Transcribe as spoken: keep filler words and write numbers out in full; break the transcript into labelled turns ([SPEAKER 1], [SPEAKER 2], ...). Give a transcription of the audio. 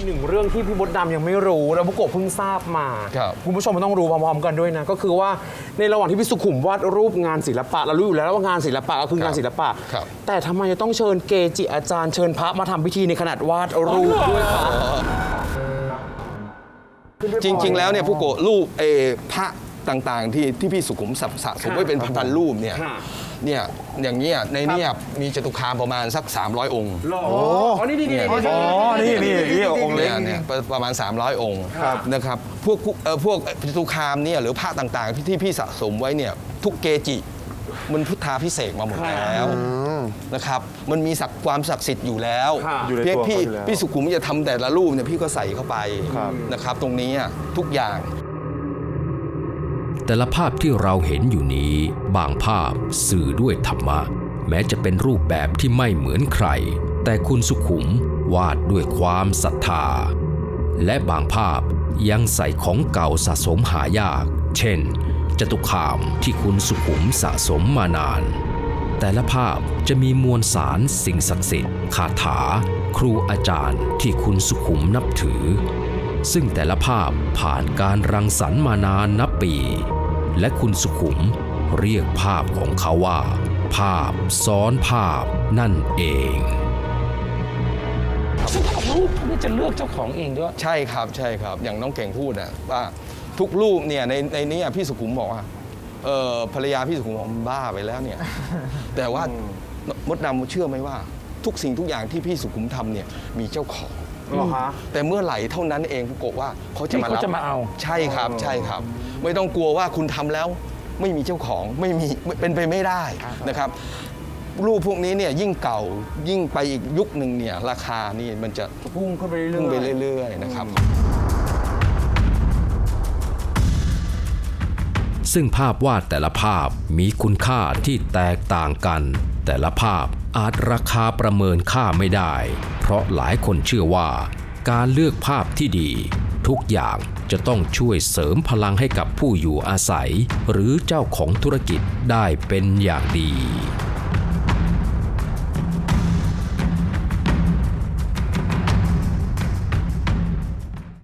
[SPEAKER 1] หนึ่งเรื่องที่พี่มดดำยังไม่รู้แล้วบุโกะเพิ่งทราบมาคุณผู้ชมมันต้องรู้พร้อมๆกันด้วยนะก็คือว่าในระหว่างที่พี่สุขุมวาดรูปงานศิลปะเรารู้อยู่แล้วว่างานศิลปะก็คืองานศิลปะแต่ทำไมจะต้องเชิญเกจิอาจารย์เชิญพระมาทำพิธีในขนาดวาดรูปด้วยคะ
[SPEAKER 2] จริงๆแล้วเนี่ยผู้โกะรูปเอพระต่างๆที่ที่พี่สุขุมสะสมไว้เป็นพันรูปเนี่ยเนี่ยอย่างเงี้ยในเนี่ยมีจตุคามประมาณสักสามร้อยองค์
[SPEAKER 1] โอ้นี่นี่นี่
[SPEAKER 3] อ๋อนี่นี่นี่องค์เล็ก
[SPEAKER 2] เนี่ยประมาณสามร้อยองค์นะครับพวกเอ่อพวกจตุคามเนี่ยหรือพระต่างๆที่พี่สะสมไว้เนี่ยทุกเกจิมันพุทธาพิเศษมาหมดแล้วนะครับมันมีศักดิ์ความศักดิ์สิทธิ์อยู่แล้วเพียงพี่พี่สุขุมจะทำแต่ละรูปเนี่ยพี่ก็ใส่เข้าไปนะครับตรงนี้ทุกอย่าง
[SPEAKER 4] แต่ละภาพที่เราเห็นอยู่นี้บางภาพสื่อด้วยธรรมะแม้จะเป็นรูปแบบที่ไม่เหมือนใครแต่คุณสุขุมวาดด้วยความศรัทธาและบางภาพยังใส่ของเก่าสะสมหายากเช่นจตุคามที่คุณสุขุมสะสมมานานแต่ละภาพจะมีมวลสารสิ่งศักดิ์สิทธิ์คาถาครูอาจารย์ที่คุณสุขุมนับถือซึ่งแต่ละภาพผ่านการรังสรรค์มานานนับปีและคุณสุขุมเรียกภาพของเขาว่าภาพซ้อนภาพนั่นเอง
[SPEAKER 5] ซึ่งรูปพวกนี้จะเลือกเจ้าของเองด้วย
[SPEAKER 2] ใช่ครับใช่ครับอย่างน้องเก่งพูดนะว่าทุกรูปเนี่ยในในนี้พี่สุขุมบอกว่าเออภรรยาพี่สุขุมบอกบ้าไปแล้วเนี่ยแต่ว่ามดดำเชื่อไหมว่าทุกสิ่งทุกอย่างที่พี่สุขุมทำเนี่ยมีเจ้าของแต่เมื่อไหร่เท่านั้นเองโกะว่าเขาจะมารับ
[SPEAKER 5] เขาจะมาเอา
[SPEAKER 2] ใช่ครับใช่ครับไม่ต้องกลัวว่าคุณทำแล้วไม่มีเจ้าของไม่มีเป็นไปไม่ได้นะครับรูปพวกนี้เนี่ยยิ่งเก่ายิ่งไปอีกยุคหนึ่งเนี่ยราคานี่มันจะ
[SPEAKER 1] พุ่งขึ้นไปเรื่อยๆ
[SPEAKER 2] พุ่งไปเรื่อยๆนะครับ
[SPEAKER 4] ซึ่งภาพวาดแต่ละภาพมีคุณค่าที่แตกต่างกันแต่ละภาพอาจราคาประเมินค่าไม่ได้เพราะหลายคนเชื่อว่าการเลือกภาพที่ดีทุกอย่างจะต้องช่วยเสริมพลังให้กับผู้อยู่อาศัยหรือเจ้าของธุรกิจได้เป็นอย่างดี